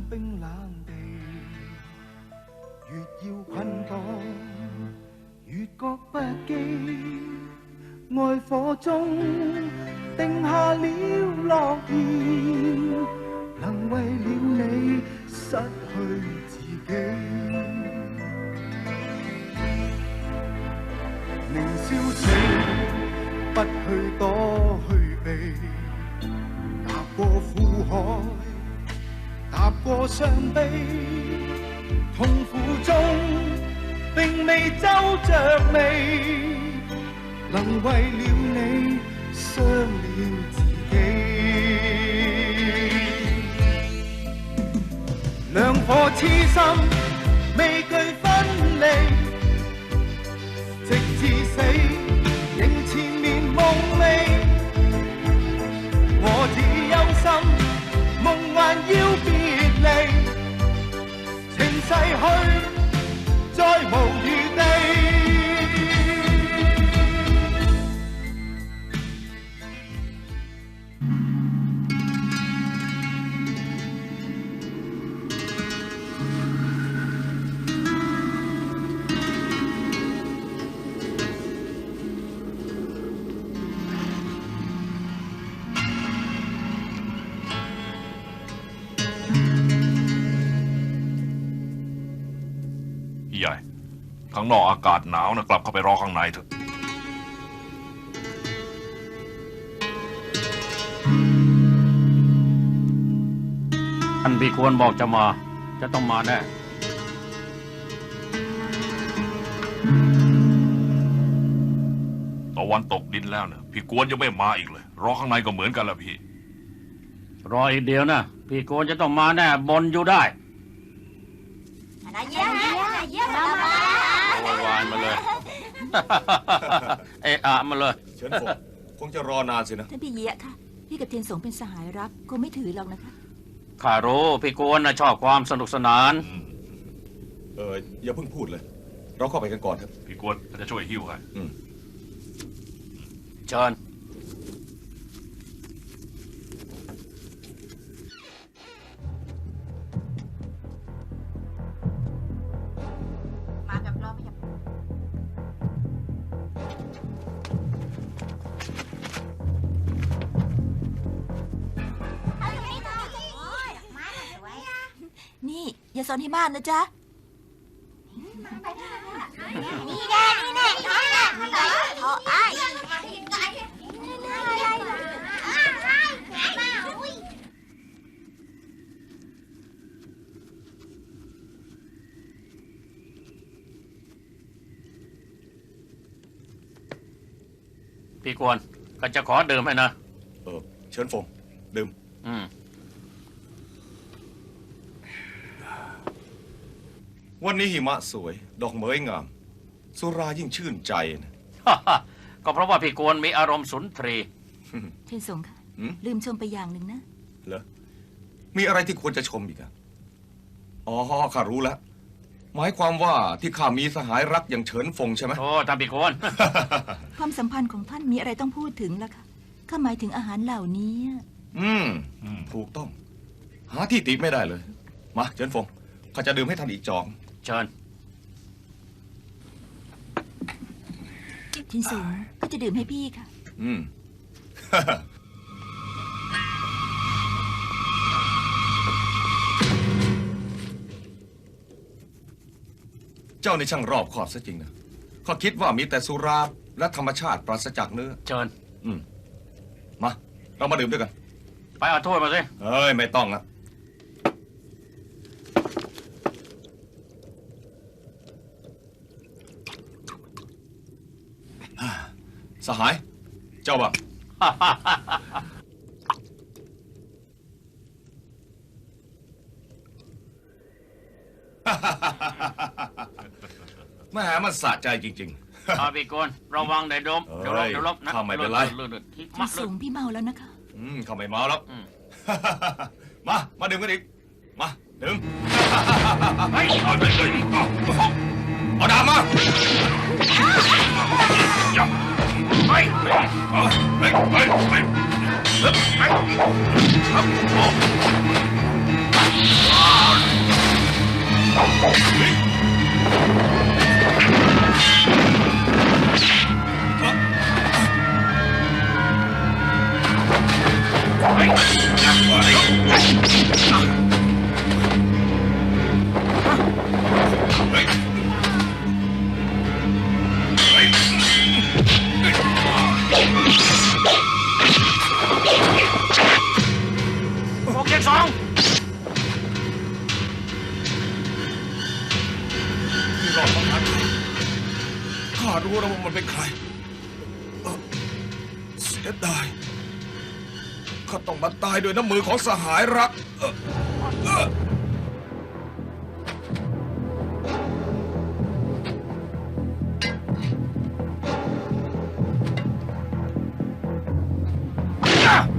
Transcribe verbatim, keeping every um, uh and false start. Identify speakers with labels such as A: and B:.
A: 冰冷地，越要捆綁，越覺不羈。愛火中定下了諾言，能為了你失去自己。年少時不去躲去避，踏過苦海，踏過傷悲，痛苦中並未皺着眉，能為了你傷了自己。兩顆痴心未懼分離，直至死仍纏綿夢寐。我只憂心夢還要別離，情逝去再無餘地。
B: ใหญ่ข้างนอกอากาศหนาวนะกลับเข้าไปรอข้างในเถอะ
C: ท่านพี่ควรบอกจะมาจะต้องมาแน่
B: ตะวันตกดินแล้วนะพี่กวนยังไม่มาอีกเลยรอข้างในก็เหมือนกันละพี่
C: รออีกเดียวนะพี่ควรจะต้องมาแน่บนอยู่ได้
D: เยี่ยมเยี่ยมเยี่ยมมา
C: โวยวายมาเลยเอะอะมาเลย
E: เฉินฟงคงจะรอนานสินะ
D: ท่านพี่เยี่ยค่ะพี่กับเทียนสงเป็นสหายรักคงไม่ถือหรอกนะคะ
C: ข้ารู้พี่กวนนะชอบความสนุกสนาน
E: เอออย่าเพิ่งพูดเลยเราเข้าไปกันก่อนครับ
B: พี่กวนจะช่วยหิ้วให้
C: เชิญ
D: นี่อย่าสอนให้มากนะจ๊ะ
F: นี่แน่นี่แน่น้อยน่ะโอ้ไอ้
C: พี่กวนก็จะขอดื่มให้นะ
E: เออเชิญฟงดื่ม
C: อืม
E: วันนี้หิมะสวยดอกเหมยงามสุรายิ่งชื่นใจนะ
C: ก็เพราะว่าพี่กวนมีอารมณ์สุนทรี
D: เทียนสงค่ะลืมชมไปอย่างหนึ่งนะ
E: เหรอมีอะไรที่ควรจะชมอีกอะอ๋อข้ารู้แล้วหมายความว่าที่ข้ามีสหายรักอย่างเฉินฟงใช่ไหม
C: โอ้ท่านพี่กวน
D: ความสัมพันธ์ของท่านมีอะไรต้องพูดถึงล่ะคะข้าหมายถึงอาหารเหล่านี้
E: อืมถูกต้องหาที่ติไม่ได้เลยมาเฉินฟงข้าจะดื่มให้ท่านอีกจอง
C: เชิญ
D: ทินสูงก็จะดื่มให้พี่ค่ะ
E: อืม เจ้าในช่างรอบคอบซะจริงนะข้าคิดว่ามีแต่สุราและธรรมชาติปราศจากเนื้อ
C: เชิญ
E: อืมมาเรามาดื่มด้วยกัน
C: ไปเอาถ้วยมาสิ
E: เฮ้ยไม่ต้องอะสหายเจ้าบ้างแม่มันสะใจจริง
C: ๆอาพี่กวนระวังเดี๋ยวดมเดี๋ยวลบเดี๋ยวลบนะ
E: ข้าไม่เป็นไร
D: พี่สูงพี่เมาแล้วนะคะ
E: อืมข้าไม่เมาแล้วมามาดื่มกันอีกมาดื่มเอาดาบมาไปไปไปไปไปไป
C: โอเคสอง
E: ที่รอดมาทันข้ารู้แล้วว่ามันเป็นใครเอ่อเสียดายข้าต้องมาตายด้วยน้ำมือของสหายรักเอ่อเอ่อ
C: อ่ะ